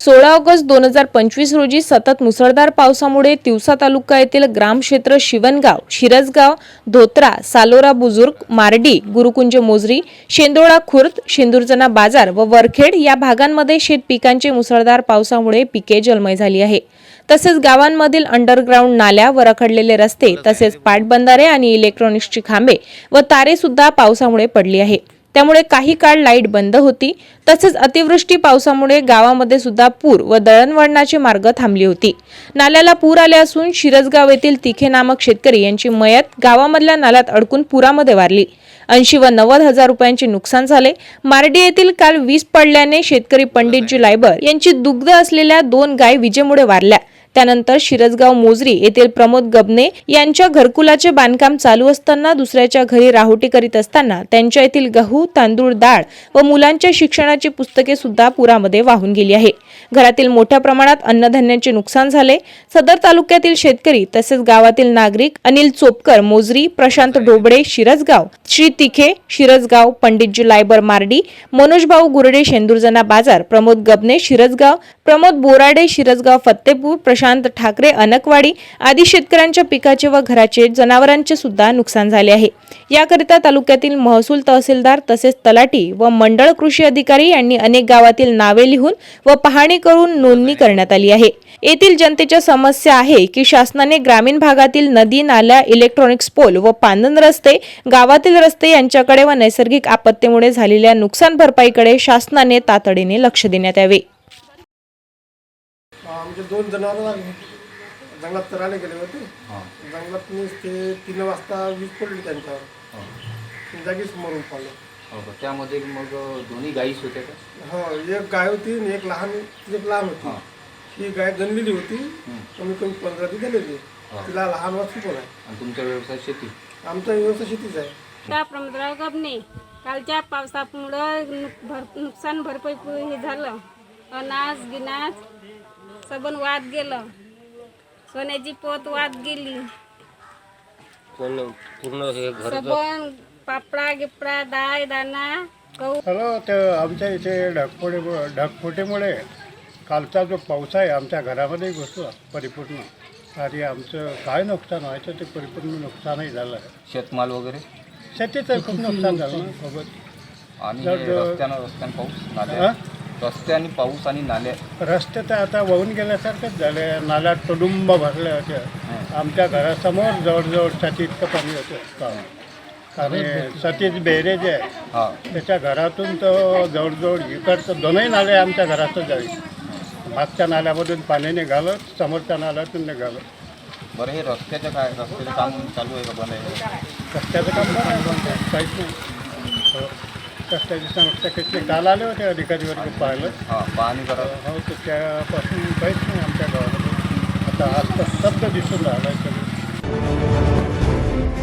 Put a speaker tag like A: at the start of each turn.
A: 16 August 2025 रोजी सतत मुसळधार पावसामुळे तिवसा तालुका येथील ग्रामक्षेत्र शिवणगाव, शिरसगाव, धोत्रा, सालोरा बुजुर्ग, मार्डी, गुरुकुंज मोजरी, शेंदोळा खुर्द, शेंदुरजना बाजार व वरखेड या भागांमध्ये शेत पिकांचे मुसळधार पावसामुळे पिके जलमय झाली आहे। तसेच गावांमधील अंडरग्राउंड नाल्या व रखडलेले रस्ते तसेच पाटबंधारे आणि इलेक्ट्रॉनिक्सची खांबे व तारे सुद्धा पावसामुळे पडली आहे। त्यामुळे काही काळ लाईट बंद होती। तसेच अतिवृष्टी पावसामुळे गावामध्ये सुद्धा पूर व दळणवळणाचे मार्ग थांबली होती। नाल्याला पूर आले असून शिरसगाव येथील तिखे नामक शेतकरी यांची मयत गावामधल्या नाल्यात अडकून पुरामध्ये वारली। 80 व 90 हजार रुपयांचे नुकसान झाले। मार्डी येथील काल वीज पडल्याने शेतकरी पंडितजी लायबर यांची दुग्ध असलेल्या 2 गाय विजेमुळे वारल्या। त्यानंतर शिरसगाव मोजरी येथील प्रमोद गबने यांच्या घरकुलाचे बांधकाम चालू असताना दुसऱ्याच्या घरी राहुटी करीत असताना त्यांच्या येथील गहू, तांदूळ, डाळ व मुलांच्या शिक्षणाची पुस्तके सुद्धा पुरामध्ये वाहून गेली आहे। घरातील मोठ्या प्रमाणात अन्नधान्याचे नुकसान झाले। सदर तालुक्यातील शेतकरी तसेच गावातील नागरिक अनिल चोपकर मोजरी, प्रशांत ढोबळे शिरसगाव, श्री तिखे शिरसगाव, पंडितजी लायबर मार्डी, मनोज भाऊ गुरडे शेंदुरजना बाजार, प्रमोद गबने शिरसगाव, प्रमोद बोराडे शिरसगाव फत्तेपूर, प्रशांत ठाकरे अनकवाडी आदी शेतकऱ्यांच्या पिकाचे व घराचे जनावरांचे सुद्धा नुकसान झाले आहे। याकरिता तालुक्यातील महसूल तहसीलदार तसेच तलाठी व मंडळ कृषी अधिकारी यांनी अनेक गावातील नावे लिहून व पाहणी करून नोंदणी करण्यात आली आहे। येथील जनतेच्या समस्या आहे की शासनाने ग्रामीण भागातील नदी, नाल्या, इलेक्ट्रॉनिक्स पोल व पांदन रस्ते, गावातील रस्ते यांच्याकडे व नैसर्गिक आपत्तीमुळे झालेल्या नुकसान भरपाईकडे शासनाने तातडीने लक्ष देण्यात यावे।
B: आमचे 2 जनावर जंगलात चरायला गेले होते। जंगलात ते 3 वाजता वीज पडली त्यांच्यावर, जागीच मरून पडले।
C: त्यामध्ये मग दोन्ही गायीच होत्या का?
B: हो, एक गाय होती आणि एक लहान होती। ही गाय गणलेली होती, कमी 15 ती गणलेली। तिला लहान वाचू पण आहे।
C: आणि तुमचा व्यवसाय शेती?
B: आमचा व्यवसाय शेतीच आहे।
D: त्या प्रमोदराव गबने कालच्या पावसामुळे नुकसान भरपाई हे झालं। अनाज गिनाज सबन वाद गेलं, सोन्याची पोत वाद गेली,
C: पूर्ण हे घर
D: सबन पापडा गिपडा डाळ दाना गहू।
E: हॅलो, ते आमच्या इथे ढगफुटीमुळे कालचा जो पाऊस आहे आमच्या घरामध्ये घुसला परिपूर्ण, आणि आमचं काय नुकसान व्हायचं ते परिपूर्ण नुकसानही झालं आहे।
C: शेतमाल वगैरे
E: शेतीचं खूप नुकसान झालं ना सोबत।
C: आणि रस्त्यानं पाऊस, नाल्या, रस्ते आणि पाऊस आणि नाल्या,
E: रस्ते तर आता वाहून गेल्यासारखंच झाले। नाल्या तुडुंब भरल्या होत्या। आमच्या घरासमोर जवळजवळ छाती इतकं पाणी होतं। आणि सतीश बेहरे जे आहे त्याच्या घरातून तर जवळजवळ इकडचं 2ही नाले आमच्या घरातच जावी। मागच्या नाल्यामधून पाणी निघालं, समोरच्या नाल्यातून निघालं।
C: बरं, हे रस्त्याचं काय? रस्त्याचं काम चालू आहे का बंद आहे?
E: रस्त्याचं काम काहीच नाही। रस्त्याची समस्या किती काल आले होते अधिकारी वर्ग पाहिलं,
C: पाहणी करावं।
E: हो, तर त्यापासून काहीच नाही आमच्या गावामध्ये। आता आज तर स्तब्ध दिसून राहिलं आहे सगळं।